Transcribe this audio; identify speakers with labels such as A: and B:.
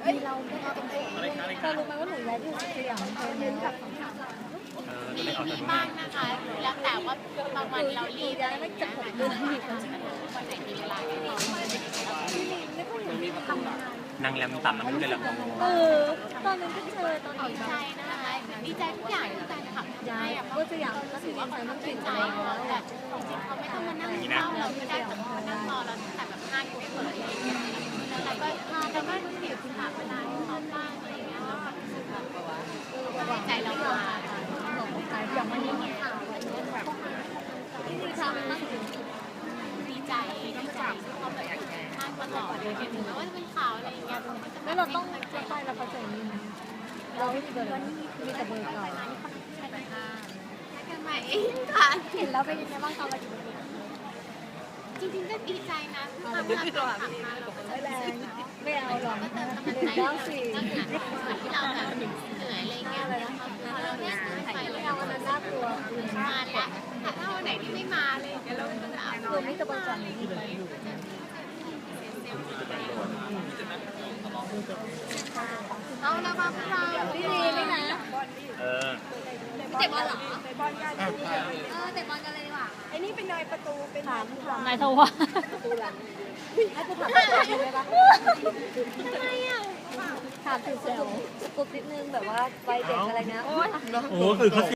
A: มีเราไม่เอาตรงๆเธอรู้ไหมว่าหนูย้ายที่สยามเธอเนี่ยแบบ
B: บ้างนะคะแล้วแต่ว่าบางวันเรารีบอะไรอย่างเงี้ยค่ะวันไหนมีเวลาก็รีบ
C: นางแรมต่ำนางไม่รู้เลยหรอก
A: ตอนนั้นก็เจอตอน
B: ดีใจนะคะดีใจทุกอย่างที่แฟนคลับย้ายอ่ะ
A: ก็สยามก็ถือว่ามันเป็น
B: ใจแต่จริงๆเขาไม่ต้องมานั่งเฝ้าเราก็ได้แต่เขานั่งรอเราตั้งแต่แบบ5 ทุ่มเปิดอะไรอย่างเงี้ยแล้วก็เสียคุณค่าเวลาให้เขาบ้างอะไรอย่างเงี้ยแล้วก็รู้สึกแบบว่าใจเรามา
A: อย่างวันนี้มีข่าวอะไรเงี้ยแบบที่มีข่าวมากถึง
B: ดีใจที่เขาแบบมากตลอดเลยถึงแม้ว่าจะเป็นข่าวอะไรอย่างเงี้ย
A: แล้วเราต้องไปเราเข้าใจนี่นะเราไม่มีเบอร์มีแต่เบอร์เก่า
B: กันใหม่เองค่ะ
A: เห็นแล้วเป็นยังไงบ้างตอนเราอยู่
B: จริงๆก็ดีใจนะทำงานต่อมาเราก็
A: ไม่แรงไม่เอาหรอก
B: เติมกำลังใจ
A: แล้วสิ
B: ก็งานที่เราแบบเหนื่อยอะไรเงี้ยพอเราได้ซื้อไป
A: ไม่
B: แล้ว
A: เอาวันนั้นน่ากลัว
B: มาแล้วแต่ถ้าวันไหนที่ไม่มาเลยเดี๋ยวเราก็จะเอา
A: คือไม่ตะบันจันนี่เอาละมาพวกเราพี่ดีนี่นะ
C: เออ
A: เตะบอลเหรอเตะบอลกันเตะบอลกันเลยดีกว่าไอ้นี่เป็นนายประตูเป็นถามนายทว่าประตูหลังให้กูถามเลยปะทำไมอ่ะถามถึงสกุลนิดนึงแบบว่าวัยเด็กอะไรนะ
C: โอ้คือเขา